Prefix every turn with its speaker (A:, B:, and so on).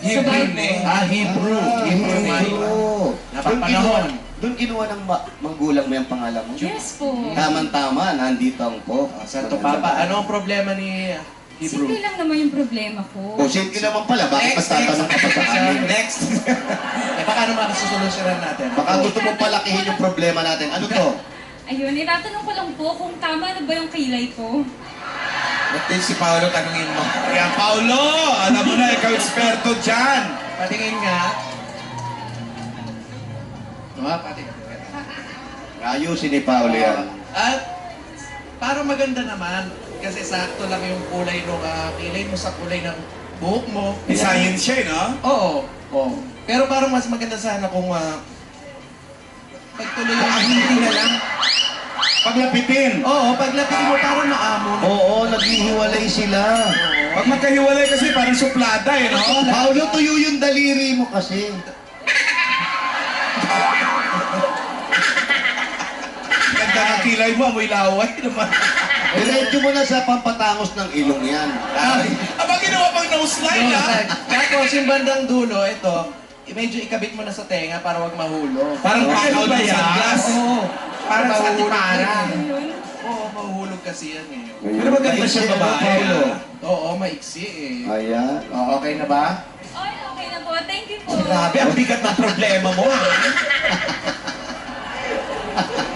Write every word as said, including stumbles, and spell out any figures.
A: Sa
B: Hebrew
A: Bible.
B: name.
C: Ah, Hebrew. Hebrew name. Napapanahon.
D: Doon kinuha ng ma- manggulang mo yung pangalan mo?
A: Yes po.
D: Tamang-tama, nandito ang po.
C: Ah, Santo Papa, ano ang problema ni Hebrew?
A: Simple lang naman yung problema ko.
D: O, simple naman pala. Bakit mas tatanong ka pa sa amin?
C: Next. Eh, baka ano makasusolusyonan natin?
D: Baka gusto mong palakihin yung problema natin. Ano to?
A: Ayun, itatanong ko lang po kung tama na ba yung kilay ko.
C: Ba't din si Paolo tanungin mo?
B: Kaya Paulo, alam mo na, ikaw eksperto dyan.
C: Patingin nga. Diba, patingin.
D: Ayusin ni Paolo yan.
C: At para maganda naman, kasi sakto lang yung kulay ng uh, kilay mo sa kulay ng buhok mo.
B: May science siya, eh, no?
C: Oo. Oo. Pero parang mas maganda sana kung uh, pagtuloy yung hindi na lang.
B: Paglapitin.
C: Oo, paglapit mo parang maamon.
D: Oo, naghihiwalay sila.
B: Pag magkahiwalay kasi parang suplada, eh, no?
D: Paolo, tuyo yung daliri mo kasi.
B: Ganda ng kilay mo, amoy laway naman.
D: Diretso mo na sa pampatangos ng ilong yan.
C: Ay,
B: Aba, ginawa pang nose line,
C: no,
B: ha?
C: tapos yung bandang dulo, ito, medyo ikabit mo na sa tenga para wag mahulog.
B: Parang
C: Oo.
B: pakaw
C: Ano ba
B: ng
C: yan?
B: sunglass.
C: Oo.
B: Parang sa
C: Mahulog
B: atiparang.
C: yan.
A: Ayun.
C: Oo, mahuhulog kasi yan eh.
B: Pero maganda siya
D: Maiksi, ano,
B: babae,
D: Paolo?
B: ah.
C: Oo, maiksi eh.
D: Ayan.
C: Oo, okay na ba?
A: Okay, okay na po. Thank you po.
C: Grabe, ang bigat ng problema mo. ah.